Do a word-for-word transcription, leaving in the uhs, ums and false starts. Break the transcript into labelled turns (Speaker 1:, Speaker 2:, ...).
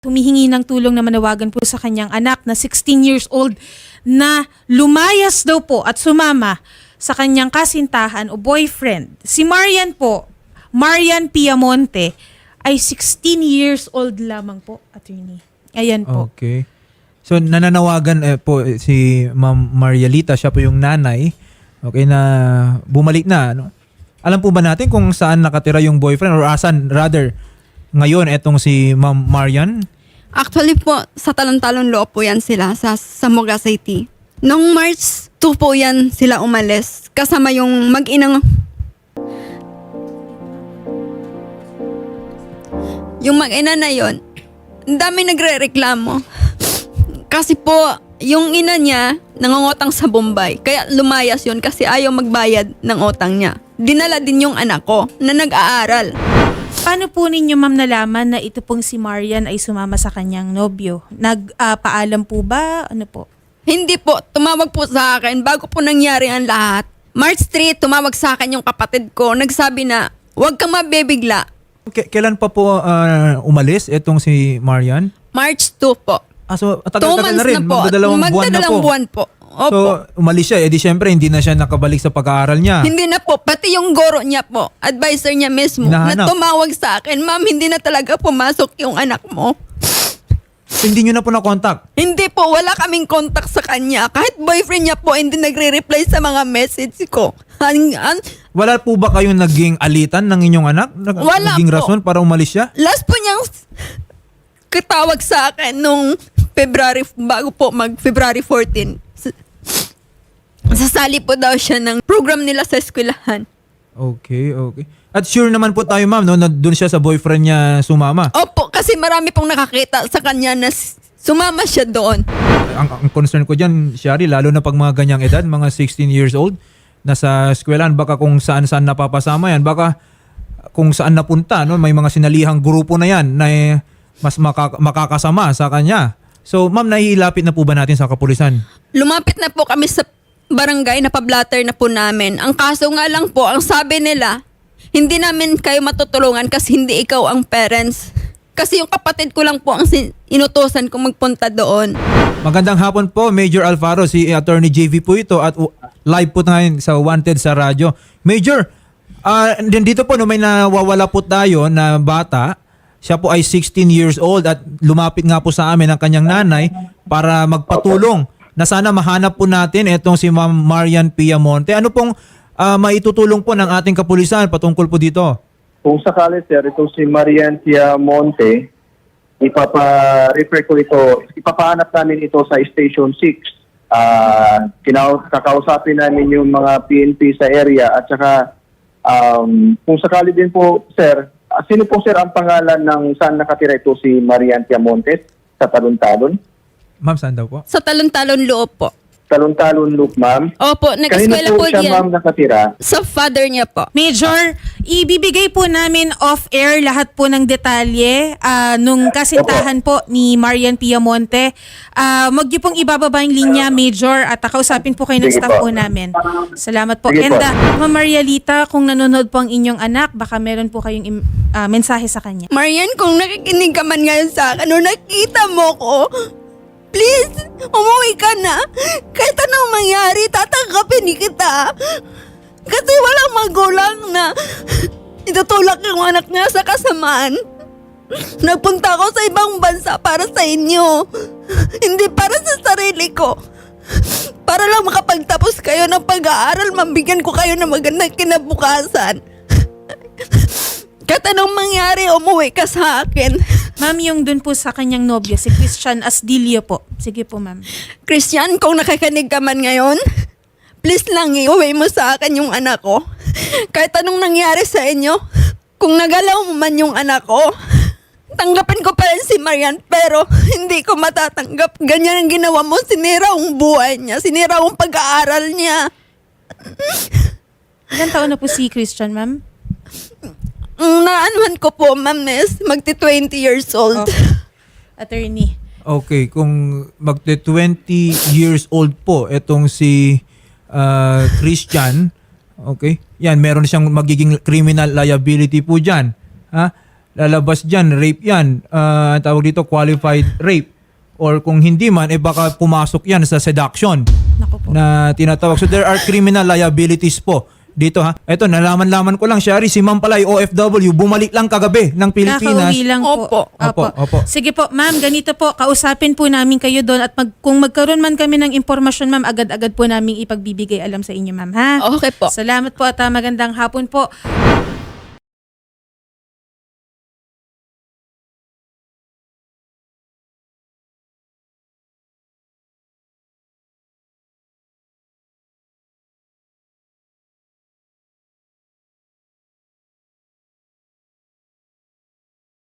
Speaker 1: Humihingi ng tulong na manawagan po sa kanyang anak na sixteen years old na lumayas daw po at sumama sa kanyang kasintahan o boyfriend. Si Marian po, Marian Piamonte, ay sixteen years old lamang po, attorney. Ayan po.
Speaker 2: Okay. So nananawagan eh, po eh, si Ma'am Marialita, siya po yung nanay, okay, na bumalik na. Ano? Alam po ba natin kung saan nakatira yung boyfriend or asan rather ngayon etong si Ma'am Marian?
Speaker 3: Actually po, sa Talon-Talon Loob po yan sila sa Sambuanga City. Noong March two po yan sila umalis. Kasama yung mag-inang... Yung mag-ina na yon, ang dami nagre-reklamo. Kasi po, yung ina niya nangungutang sa Bombay. Kaya lumayas yun kasi ayaw magbayad ng utang niya. Dinala din yung anak ko na nag-aaral.
Speaker 1: Paano po ninyo, ma'am, nalaman na ito pong si Marian ay sumama sa kanyang nobyo? Nagpaalam po ba? Ano po?
Speaker 3: Hindi po, tumawag po sa akin bago po nangyari ang lahat. March three, tumawag sa akin yung kapatid ko. Nagsabi na, huwag kang mabibigla.
Speaker 2: K- kailan pa po ah, umalis etong si Marian?
Speaker 3: March two po.
Speaker 2: Ah, so
Speaker 3: Two
Speaker 2: tagal-tagal
Speaker 3: months
Speaker 2: na rin.
Speaker 3: na po.
Speaker 2: Magdadalawang buwan na
Speaker 3: Magdadalang
Speaker 2: po.
Speaker 3: buwan po. Opo.
Speaker 2: So umalis siya, edi syempre hindi na siya nakabalik sa pag-aaral niya.
Speaker 3: Hindi na po, pati yung guro niya po, advisor niya mismo,
Speaker 2: Hinahanap.
Speaker 3: na tumawag sa akin, ma'am, hindi na talaga pumasok yung anak mo.
Speaker 2: So, hindi nyo na po na-contact.
Speaker 3: Hindi po, wala kaming contact sa kanya. Kahit boyfriend niya po, hindi nagre-reply sa mga message ko. An- an-
Speaker 2: Wala po ba kayong naging alitan ng inyong anak? Nag-
Speaker 3: Wala
Speaker 2: naging
Speaker 3: po.
Speaker 2: rason para umalis siya?
Speaker 3: Last po niyang katawag sa akin nung February, bago po mag-February fourteen. S- Sasali po daw siya ng program nila sa eskwelahan.
Speaker 2: Okay, okay. At sure naman po tayo, ma'am, no, na doon siya sa boyfriend niya sumama.
Speaker 3: Opo, kasi marami pong nakakita sa kanya na s- sumama siya doon.
Speaker 2: Ang, ang concern ko dyan, Shari, lalo na pag mga ganyang edad, mga sixteen years old, nasa eskwelahan, baka kung saan-saan napapasama yan, baka kung saan napunta, no, may mga sinalihang grupo na yan na eh, mas makaka- makakasama sa kanya. So, ma'am, nahihilapit na po ba natin sa kapulisan?
Speaker 3: Lumapit na po kami sa barangay, na pablatter na po namin. Ang kaso nga lang po, ang sabi nila, hindi namin kayo matutulungan kasi hindi ikaw ang parents. Kasi yung kapatid ko lang po ang sin- inutosan kong magpunta doon.
Speaker 2: Magandang hapon po, Major Alfaro, si Attorney J V po ito at uh, live po ngayon sa Wanted sa radyo. Major, uh, dito po no, may nawawala po tayo na bata. Siya po ay sixteen years old at lumapit nga po sa amin ang kanyang nanay para magpatulong na sana mahanap po natin itong si Ma'am Marian Piamonte. Ano pong uh, maitutulong po ng ating kapulisan patungkol po dito?
Speaker 4: Kung sakali, sir, ito si Marian Piamonte, ipapa-refer ko ito, ipapahanap namin ito sa Station six. Uh, kinau- kakausapin namin yung mga P N P sa area at saka um, kung sakali din po, sir, uh, sino po, sir, ang pangalan ng saan nakatira ito si Marian Piamonte sa Talon-Talon?
Speaker 2: Ma'am, saan daw po?
Speaker 3: Sa Talon-Talon Loob po.
Speaker 4: Talon-Talon Loop, ma'am.
Speaker 3: Opo,
Speaker 4: Kanina
Speaker 3: nag-eskwela
Speaker 4: po
Speaker 3: po
Speaker 4: siya,
Speaker 3: diyan.
Speaker 4: ma'am, nakatira?
Speaker 3: Sa father niya po.
Speaker 1: Major, ibibigay po namin off-air lahat po ng detalye ah, nung kasintahan po ni Marian Piamonte. Uh, Huwag niyo pong ibababa yung linya, Major, at kausapin po kayo ng
Speaker 4: Sige
Speaker 1: staff po
Speaker 4: po.
Speaker 1: namin. Salamat po.
Speaker 4: Sige
Speaker 1: And
Speaker 4: po.
Speaker 1: ah, Ma'am Marialita, kung nanonood po ang inyong anak, baka meron po kayong im- ah, mensahe sa kanya.
Speaker 3: Marian, kung nakikinig ka man ngayon sa akin, o nakita mo ko, please, umuwi ka na. Kahit anong mangyari, tatanggapin kita. Kasi walang magulang na itutulak yung anak niya sa kasamaan. Nagpunta ako sa ibang bansa para sa inyo. Hindi para sa sarili ko. Para lang makapagtapos kayo ng pag-aaral, mabigyan ko kayo ng magandang kinabukasan. Kahit anong mangyari, umuwi ka sa akin.
Speaker 1: Ma'am, yung dun po sa kanyang nobyo, si Christian Asdilio po. Sige po, ma'am.
Speaker 3: Christian, kung nakikinig ka man ngayon, please lang iuwi mo sa akin yung anak ko. Kahit anong nangyari sa inyo, kung nagalaw mo man yung anak ko, tanggapin ko pa rin si Marian, pero hindi ko matatanggap. Ganyan ang ginawa mo, sinira ang buhay niya, sinira ang pag-aaral niya.
Speaker 1: Ilan taon na po si Christian, ma'am?
Speaker 3: Ang naanuhan ko po, ma'am, is magti-twenty years old.
Speaker 1: Okay. Attorney.
Speaker 2: Okay, kung magte twenty years old po etong si uh, Christian, okay? Yan, meron siyang magiging criminal liability po diyan. Ha? lalabas dyan, rape yan. Ah, tawag dito, qualified rape. Or kung hindi man, eh baka pumasok yan sa seduction
Speaker 1: Naku po.
Speaker 2: na tinatawag. So there are criminal liabilities po dito ha. Ito, nalaman-laman ko lang, Shari, si Ma'am pala, O F W, bumalik lang kagabi ng Pilipinas.
Speaker 1: Kakauwi lang po.
Speaker 3: Opo.
Speaker 2: Opo, opo.
Speaker 1: Sige po, ma'am, ganito po, kausapin po namin kayo doon at mag, kung magkaroon man kami ng impormasyon, ma'am, agad-agad po namin ipagbibigay alam sa inyo, ma'am, ha?
Speaker 3: Okay po.
Speaker 1: Salamat po at ah, magandang hapon po.